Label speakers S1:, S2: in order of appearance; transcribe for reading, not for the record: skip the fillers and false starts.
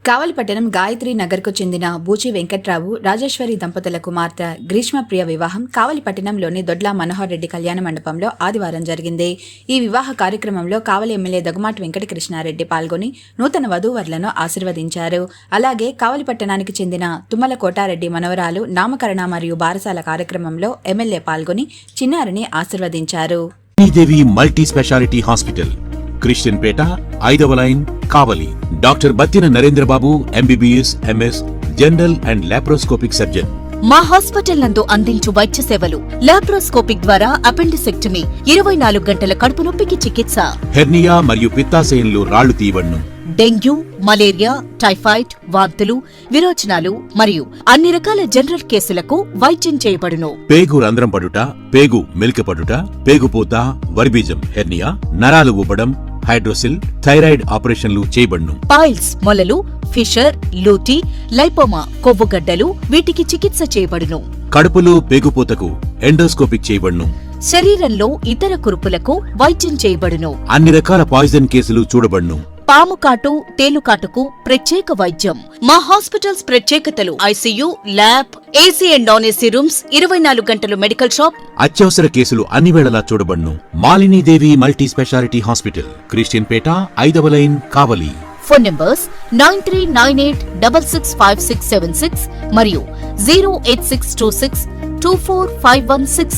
S1: కావలిపట్టణం గాయత్రి నగర్కు చెందిన బూచి వెంకట్రావు రాజేశ్వరి దంపతుల కుమార్తె గ్రీష్మప్రియ వివాహం కావలిపట్టణంలోని దొడ్ల మనోహర్ రెడ్డి కళ్యాణ మండపంలో ఆదివారం జరిగింది. ఈ వివాహ కార్యక్రమంలో కావలి ఎమ్మెల్యే దగ్గుమాటి వెంకటకృష్ణారెడ్డి పాల్గొని నూతన వధూవరులను ఆశీర్వదించారు. అలాగే కావలిపట్టణానికి చెందిన తుమ్మల కోటారెడ్డి మనవరాలు నామకరణ మరియు బారసాల కార్యక్రమంలో ఎమ్మెల్యే పాల్గొని చిన్నారిని ఆశీర్వదించారు.
S2: Devi multi speciality hospital, Christian Peta, 5వ line, Kavali. Doctor Battina Narendrababu, MBBS, MS, general and laparoscopic surgeon.
S3: మా హాస్పిటల్ నందు అందించు వైద్య సేవలు: లాప్రోస్కోపిక్ ద్వారా అపెండిసెక్టమీ, 24 గంటల కడుపు నొప్పికి చికిత్స,
S2: హెర్నియా మరియు పిత్తాశయంలో రాళ్లు తీయబడును,
S3: డెంగ్యూ, మలేరియా, టైఫాయిడ్, వాంతులు, విరోచనాలు మరియు అన్ని రకాల జనరల్ కేసులకు వైద్యం చేయబడును.
S2: పేగు రంధ్రం పడుట, పేగు మెలికపడుట, పేగుపూత, వర్బీజం, హెర్నియా, నరాలు ఊపడం, హైడ్రోసిల్, థైరాయిడ్ ఆపరేషన్లు చేయబడును.
S3: పైల్స్, మొలలు, ఫిషర్, లూటీ, లైపోమా, కొవ్వుగడ్డలు వీటికి చికిత్స చేయబడును.
S2: కడుపులో పేగుపూతకు ఎండోస్కోపిక్ చేయబడును.
S3: శరీరంలో ఇతర కురుపులకు వైద్యం చేయబడును.
S2: అన్ని రకాల పాయిజన్ కేసులు చూడబడును.
S3: పాము కాటు, తేలుకాటుకు ప్రత్యేక వైద్యం. మా హాస్పిటల్స్ ప్రత్యేకతలు: ICU, lab, AC and non AC rooms, 24 గంటలు మెడికల్ షాప్.
S2: అత్యవసర కేసులు అన్ని వేళలా చూడబడును. Malinidevi multi speciality hospital, Christian Peta, 5వ లైన్, కావలి.
S3: ఫోన్ నంబర్స్ 9398665676 మరియు 08626245166.